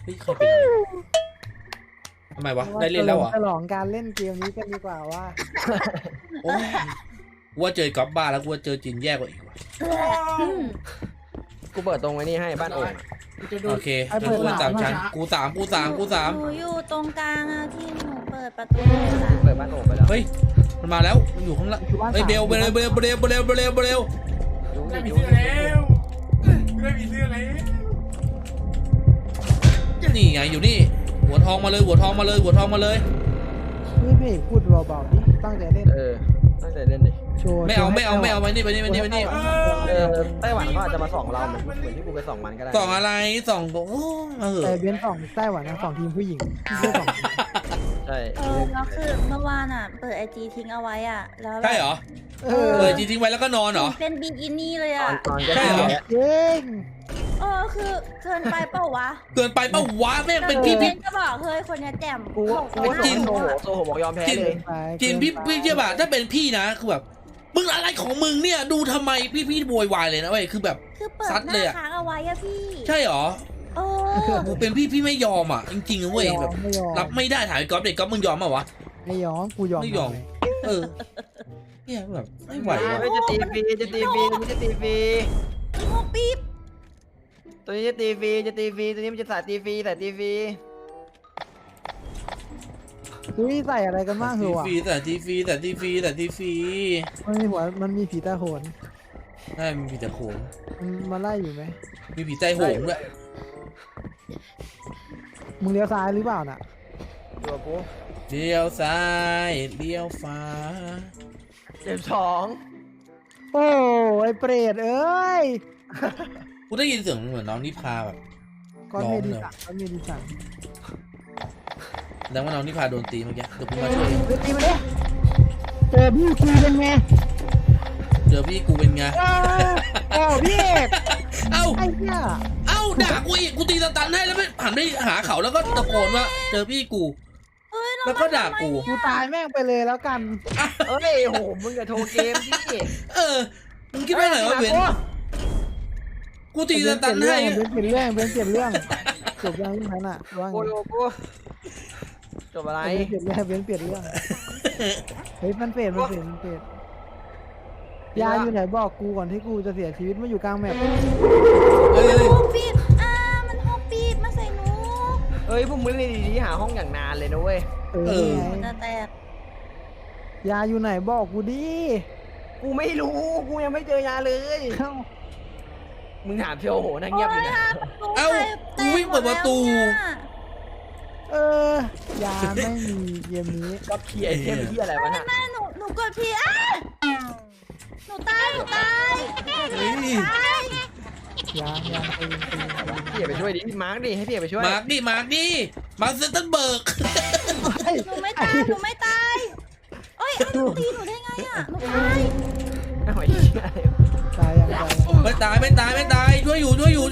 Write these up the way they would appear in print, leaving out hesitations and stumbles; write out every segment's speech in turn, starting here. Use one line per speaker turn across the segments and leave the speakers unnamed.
ฮ้ยใครเป็นอะไรทำไมวะได้เล่นแล้วเหรอ
ฉลองการเล่นเกมนี้กันดีกว่าว่า
โอ้ยกูว่าเจอกอล์ฟบ้าแล้วกูว่าเจอจินแย่กว่าอีกว่ะ
กูเปิดตรงไว้นี่ให้บ้านโอ่ง
โอเคกูสามชั้นกูสาม
หนูอยู่ตรงกลางอะที่หนูเปิดประตูอะ
เปิดบ้านโอ่งไปแล้ว
เฮ้ยมันมาแล้วมันอยู่ข้างล่างเฮ้ยเบล
ได้มีเสื้อแล้วได้มีเสื้อแล้ว
นี่ไงอยู่นี่หัวทองมาเลย
นี่พี่พูดเบาๆดิตั้งใจเล่น
ตั้งใจเล่นดิ
โชว์
ไม่เอาไปนี่
ไต้หวันเขาอาจจะมาส่องเราเหมือนที่กูไปส่องมันก็ได้
ส่องอะไรส่องโอ้
แต่เบนสองไต้หวันนะสองทีมผู้หญิงไม่สอง
ใช่
แล้วคือเมื่อวานอะเปิดไอจีทิ้งเอาไว้อะแล้ว
ใช่เหรอจีทิ้งไว้แล้วก็นอนเหรอ
เป็นบิกินี่เลยอะ
ตอน
ใช่เหรอ
เย้ง
คือเกินไปเปล่าวะ
เกินไปเปล่าวะแม่งเป็นพี่
จะบอกเฮ้ยคนนี้แจ่ม
กูโซโหบอกยอมแพ้เลย
จีนพี่เชื่อป่ะถ้าเป็นพี่นะคือแบบมึงอะไรของมึงเนี่ยดูทำไมพี่โวยวายเลยนะเว้ยคือแบบ
คือเปิด
ซัด
ห
เลย
น้า
อะ
ค้างเอาไว้อะพี่
ใช่เหรอ
กู
เป็นพี่ไม่ยอมอ่ะจริงๆนะเว้ยแบบรับไม่ได้ถ่ายก๊อฟเด็กก๊อฟมึงยอมป่ะวะ
ไม่ยอมกูยอม
ไม่ยอม เนี่ยแบบไม่ไหววะ
จะตีฟรีจะตีฟรี
โง่ปี๊บ
ตัวนี้จะตีฟรีตัวนี้มันจะใส่ตีฟรี
อุ้ยใส่อะไรกันบ้างเหรอวะ
แต่ทีฟรี
มันมีผีตาโหน
ใช่มีผีตะโขน
มันมาไล่อยู่ไหม
มีผีใจโหงด้วย
มึงเลี้ยวซ้ายหรือเปล่าน่ะ
ตัวกู
เลี้ยวซ้ายเลี้ยวฟ้า
เจ็บสอง
โอ้ไอเปรตเอ้ย
กูได้ยินเสียงเหมือนน้องนิพาแบบ
ก้อนเมดิสัน
แสดงว่าน้องนิพาโดนตีเมื่อกี้เดี๋ยวกูมาช่วย
ตีมาดิเจอพี่คุยเป็นไง
เจอพี่กูเป็นไง
โอ้พี่เอก
เอ้า
ไอ้เนี่ย
ด่ากูอีกกูตีสตันให้แล้วไม่หันไปหาเขาแล้วก็ตะโกนว่าเจอพี่กู แล้วก็ด่ากู
ตายแม่งไปเลยแล้วกัน
เอ้ยโหมึงอย่าโทรเกมดิ
มึงคิดว่าไงวะเบนกูตีสตันให้
เบนเปลี่ยนเรื่องจบยังยังไงน่ะว่าไง
กูจบอะไร
เปลี่ยนเรื่องเฮ้ยมันเปลี่ยนยาอยู่ไหนบอกกูก่อนที่กูจะเสียชีวิตมาอยู่กลางแมป
เฮ้ย
โง่ปี๊บมันโง่ปี๊บมาใส่หนู
เอ้ยพวกมึงนี่ดีๆหาห้องอย่างนานเลยนะเว้ย
จะแตก
ยาอยู่ไหนบอกกูดิ
กูไม่รู้กูยังไม่เจอยาเลยมึงถามเพียวโหนั่งเงียบอยู่นะ
เอ้ากูวิ่งเปิดประตู
ยาไม่มีเกมนี้
ก็เพียเทมที่อะไรวะน่ะ
หนูกดพีหนูตาย
ยา
พี่อย่าไปช่วยดิมาร์กดิให้พี่อย่าไปช่วย
มาร์กดิเซนตันเบิร์ก
หนูไม่ตายเอ้ยหนูตีหนูได้ไงอะหนูตาย
เอาไอ้
ตายยัง
ไม่ตายช่วยอยู่
หัว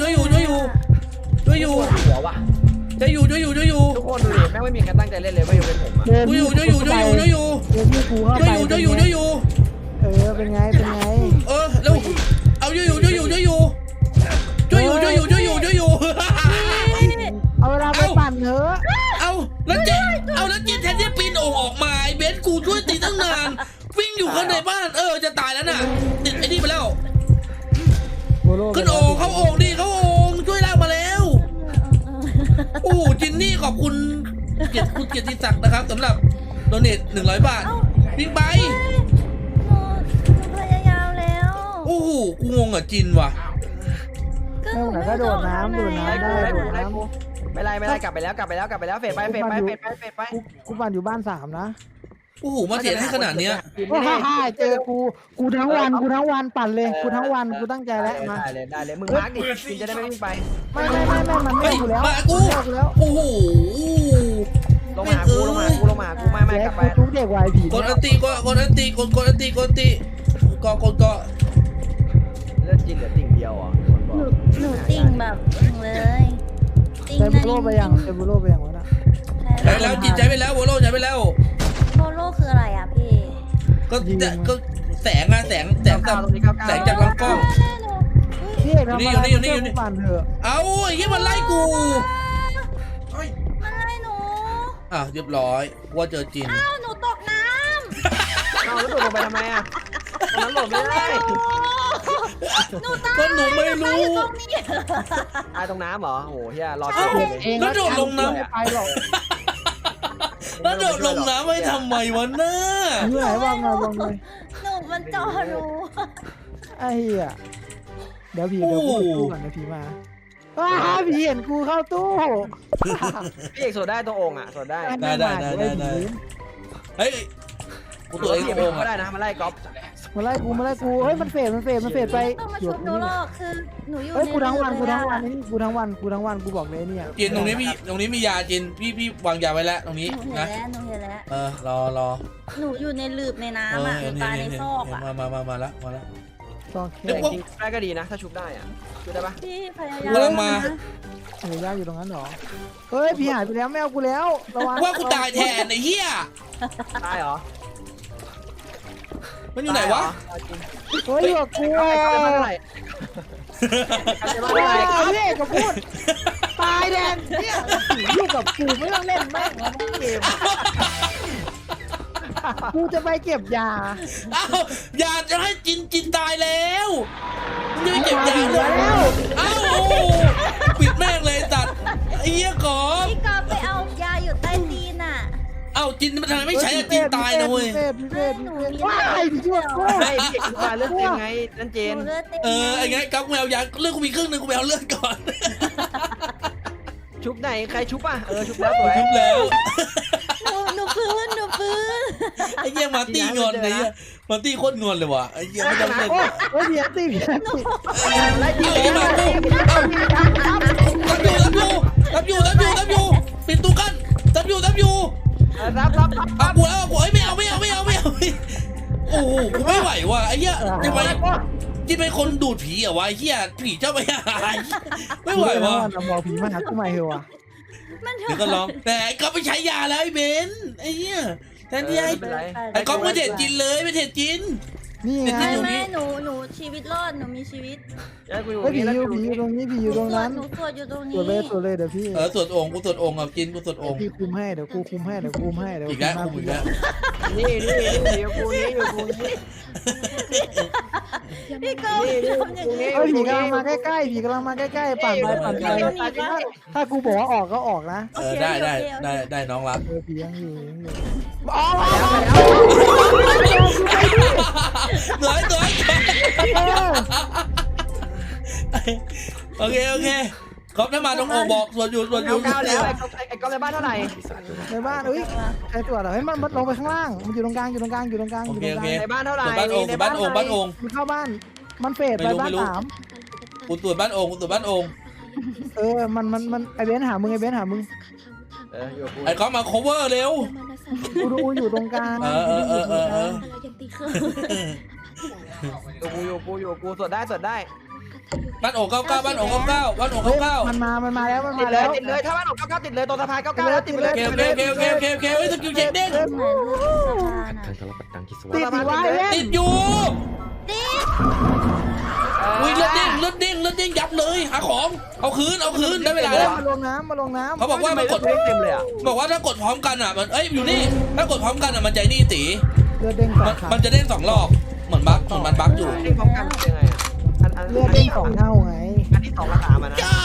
ว่ะ
ช่วยอยู่
ทุกคนดูดิแม่งไม่มีใครตั้งใจเล่นเลยไม่ยกเป็นผมอ่ะ
ช่วยอยู่
เดี๋ยวพี่กูเข้าไป
ช่วยอยู่
เป็นไง
แล้วเอาช่วยอยู่
เอาเวลาไปปั่นเถอะ
เอาแล้วเจนแทนที่ปีนโอ่งออกมาไอ้เบนกูช่วยตีตั้งนานวิ่งอยู่ข้างในบ้านจะตายแล้วน่ะติดไอ้นี่ไปแล้วขึ้นโอ่งเข้าโอ่งดิเข้าโอ่งช่วยลากมาแล้วโอ้จินนี่ขอบคุณคุณเกียรติศักดิ์นะครับสำหรับโดเนท100 บาทวิ่งไป
หนูพยายามแล้ว
โอ้โหกูงงอ่ะจินว่ะ
ไม่ไหนก็โดดน้ำได้โดดน้ำ
ไม่ไรกลับไปแล้วเฟดไป
กูปั่นอยู่บ้าน3นะ
โอ้โหมาเสียให้ขนาดเนี้ย
เจอกูทั้งวันปั่นเลยกูทั้งวันกูตั้งใจแล้วมา
ได้เลยมึงมาร์กดิมึงจะได้ไม่วิ่งไป
ไม่มันไม่อยู่แล้ว
มากูโอ้โห
ลงมากูไม่กลับไป
ทุกเด็กวายผี
กดอันตีก็เ
ลือดจินเหลือติ่งเดียวอ่ะ
หนูติ่งแบบเลยติ่ง
เซบูโร่ไปยังวะน่ะ
ใช้แล้วจินใช้ไปแล้วโบโลใช้ไปแล้ว
โบโลคืออะไรอ่ะพี่
ก็แสงจากลำกล้อง
พี่เอกทำอะไรปั่นเถอะ
เอาไอ้ยี่มันไล่กูอ่ะเรียบร้อยว่าเจอจิน
อ้าวหนูตกน้
เอาแล้วตกลงไปทำไมอ่ะตอนนั้นหลบไม่
ำ
ได้
หนูตาย
ก็หนูไม่รู้
อยู่ตรงนี้
ตายตรงน้ำเหรอโอ้โหเฮียรอด
เอ้า
เลย
เอง
แล้วโดดลงน้ำ
ไม่ไปหรอก
แล้วโดดลงน้ำไม่ทำไมวะน้า
อยู่ไหนวางมาลงเลย
หนูมันจอหนู
ไอ้เหี้ยเดี๋ยวกูไปตู้ก่อนนะผีมาว้าผีเห็นกูเข้าตู้
พี่เอกสวดได้ตัวองค์อ่ะสวดได้
ได้เฮ้ยกูตัวเอง
พี่
โก
เอก
ง
ก็
อ่ะ
ได้นะมาไล่ก๊อฟ
มาไล่กูเฮ้ยมันเฟดไป
ต้องมาชุบหนูหรอกคือหนูอยู่
เฮ้ย
ใน
กูทั้งวัน
เรือ
กูทั้งวันกูบอกเลยเนี่ย
จินตรงนี้มียาจินพี่วางยาไว้แล้วตรงนี้
หนูเห็น
นะ
แล้วหนูเห็นแล้ว
รอ
หนูอยู่ในหลืบในน้ำอ่ะหนูตายในซอกอ่ะ
มาแล้ว
ซอกแค่
เดี๋ยว
จริงๆได้ก็ดีนะ ถ้าชุบได้อ่ะชุบได้ปะ
พี่พยายาม
กำลังมา
เฮ้ยย่าอยู่ตรงนั้นหรอเฮ้ยผีหายไปแล้วไม่เอากูแล้วระวัง
ว่ากูตายแทนไอ้เหี้ย
ตายเหรอ
มันอยู่ไหนวะ
เฮ้ยอยู่กับกู
ตายเหรอ
เ
เท่าไหร่
ฮ้ยพี่เอกก็พูดตายแดนเนี่ยอยู่กับกูไม่ต้องเล่นแม่งแล้วเกมกูจะไปเก็บยา
เอ้าอย่าจะให้จินตายแล้วมึงจะไปเก็บยาเลย
แล้ว
เอ้าปิดแม่งเลยตัดไอ้เหี้ยก่อน
พี่กอฟไปเอายาอยู่ใต้ตีนอ่ะ
เอ้าจินมันทำไมไม่ใช้จินตายนะเว้ย
พี่เฟศว้ายพี่ช่วยกู
ไม่พี่เอกมาเลือดเต็มไงนั่นเจ
ห
น
นูเลือดเต็ม
ไอ้ไงกับแมวยาเลือดกูมีครึ่งนึงกูไปเอาเลือดก่อน
ชุบไหนใครชุบอ่ะชุบแล้วสวย
ทุบแล้ว
หนูฟื้น
ไอ้เหี้ยมาร์ตี้งอนไอ้เหี้ยมาร์ตี้โคตรงอนเลยว่ะไอ้เหี้ยไม่ต้องเล่น
เฮ้ยพี่ตีพี่ตี
ไล่
เอา
ตี
ไอ้มากูเอารับอยู่ปิดตู้กันรับอยู่
รับ
เอากูไม่เอาโอ้โหกูไม่ไหวว่ะไอ้เหี้ยทำไมที่เป็นคนดูดผีอะวะไอ้เหี้ยผีเจ้าไปหายไม่ไหวว่ะ
บอกผีมาหากูใหม่เหรอวะ
มัน
เดี๋ยวก็ลองแต่ก็ไปใช้ยาแล้วไอ้เบนไอ้เหี้ยแทนที่ไอ้ก๊อฟไม่เด็ดจินเลยไม่เด็ดจิน
นี่ไง
ไม่หนูชีวิตรอดหนูมีชีวิต
กูอยู่
เฮ้ยผี
นี่
อยู่ตรงนี้ผีอยู่ตรงนั้น
หนูสวดอยู่ตรง
ตร
นี้
วจเลยเดี๋ยวพี่
สวดองค์กูสวดองค์กับจินกูสวดองค์
พี่คุมให้เดี๋ยวกูคุมให้
อีกแล้ว
นี่อยู่กูนี่อยู่กูนี่
พี่กอฟทำอย่างนี้
เฮ้ยผีกำลังมาใกล้ปั่นไปถ้ากูบอกว่าออกก็ออกนะ
ได้น้องรับ
ผียังอยู่
อ๋อมาแล้ว
สวยโอเคก๊อฟถ้ามาต้องบอกสวดอยู่
เก้าแล้วไอ้ก๊อฟในบ้านเท่าไหร่
ในบ้านเอ้ยใครตรวจเหรอเฮ้ยมันลงไปข้างล่างมันอยู่ตรงกลาง
โอเค
ในบ้านเท่าไหร่
บ้านองค์
มันเข้าบ้านมันเฟดไปบ้านสาม
กูตรวจบ้านองค์
มันไอเบนหามึง
อยู่กู
ไอ้ก๊อฟมา cover เร็ว
กูดูอยู่ตรงกลาง
อยู่กูสวดได้
บ้านองค์99
มันมาแล้ว
ติดเลยถ้าบ้านออก99ติดเลยตรงสะพาน99แล้วติดไปเลย
โอเคสกิลเช็คเด้ง
เหมือนสะพานอ่ะ
ติดวะเล่น
ติดอยู่
ติ๊ก
อุ้ยเลือดเด้งยับเลยหาของเอาคืนได้เวลาแล้ว
มาลงน้ำ
เขาบอกว่ามันกด
เต็มเลยอ่ะ
บอกว่าถ้ากดพร้อมกันอ่ะมันอยู่นี่ถ้ากดพร้อมกันอ่ะมันใจนี่ตี
เลือดเด้ง2
มันจะเด้ง2รอบเหมือนบั๊กอยู่
เด้งพร้อมกันยังไงอ่ะ
เลือดเด้ง2 เท่าไง
อันที่2ราคามันนะ
จ้า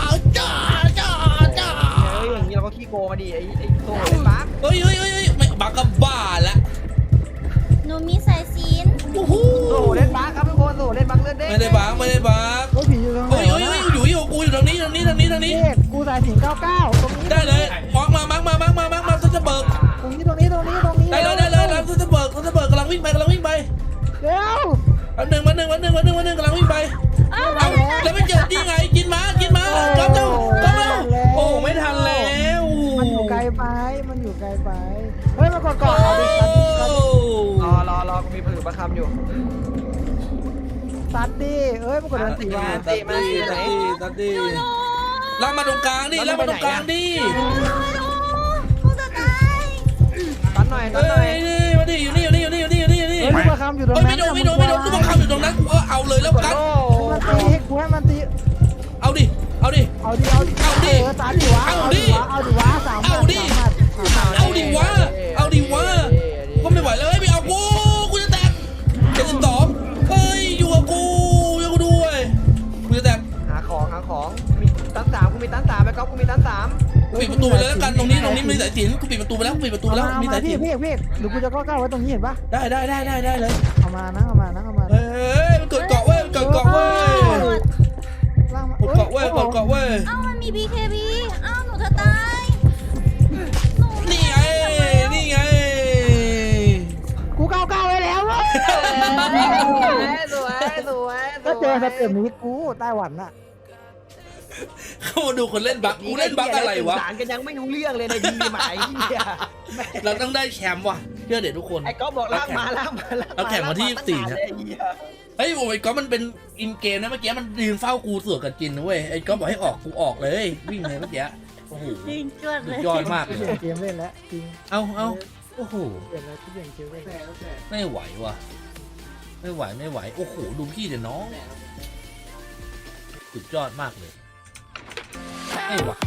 เฮ้ยอย่างนี้เราก็ขี้โกงมาดิไอ้โซ่เล่นบั๊ก
เฮ้ยไม่บั๊กก็บ้าละ
หนูมีสายสิญ
โอ้โห
โซ่เล่นบั๊กครับทุกคนโซ่เล่นบั๊กเล่นเด้ง
ไม่ได้บั๊ก
โอ้ผีอยู่ตรงไหน
อยู่กูอยู่ตรงนี้
กูสายสิง99ตรงนี้
ได้เลยมองมาซัสเบิร์ก
ตรงนี้
ได้เลยซัสเบิร์กกำลังวิ่งไป
เร็ว
อันหนึ่งกำลังวิ่งไปเอาแล้วไม่เจอที่ไงกินมาก๊อฟเจ้าโอ้ไม่ทันแล้ว
มันอยู่ไกลไปเฮ้ยมากดก่อนเอาดิ
รอกูมีผืนประคำอยู่
ซัดดิเอ้ยมากดดันตีวะ
ตัดดิลากมาตรงกลางดิ
หนูจะตาย
ตันหน่อย
มาดิอยู่นี่
เฮ้ยลูกประคำอยู่ตรงนั้น
ไม่โดนลูกบังคับอยู่ตรงนั้นกูก็เอาเลยแล้วกัน
มันตีให้กูให้มันตี
เอาดิ
ซัดดิวะเอาดิวะ3 หมัด
ตัน3ไปก๊อฟกูมีตัน3
กูปิดประตูไปเลยแล้วกันตรงนี้มีสายสิญจนกูปิดประตูไปแล้วกูปิดประตูไปแล้วมีสายสิญจน
พี่เดี๋ยวกูจะก้าวไว้ตรงนี้เห็นปะ
ได้เลย
เอามานะ
เฮ้ยมันกดเกาะเว้ยกดเกาะเว้ย
ล่างมาก
ดเกาะเว้ยกดเกาะเว้ย
เอ้ามันมี BKB เอ้าหนูจะตาย
นี่ไงนี่ไง
กูก้าวไว้แล้วเว้ย
สวย
ก็เจอสเต็ปนี้กูไต้หวันน่ะ
เข้ามาดูคนเล่นบักกูเล่นบักอะไรวะ
สารกันยังไม่รู้เรื่องเลยในทีมหมายเหี้ย
เราต้องได้แชมป์ว่ะเชื่อเด็ดทุกคน
ไอ้ก๊อฟบอกลากมา
เอาแข่งวันที่24นะ เฮ้ยโอ้ยก็มันเป็นอินเกมนะเมื่อกี้มันยืนเฝ้ากูเสือกกับจินนะเว้ยไอ้ก็บอกให้ออกกูออกเลยวิ่งเลยเมื่อกี้โอ้โห
ยิงจวดเลย
ยอดมากเล
เปลี่ย
ย
นเกมเล่นแล้วจริง
เอาโอ้โห
เปลี่ยนแล้วเปลี่ยนเกมเล่น
ไม่ไหวว่ะไม่ไหวโอ้โหดูพี่เดี๋ยวน้องสุดยอดมากเลยไม่ไหว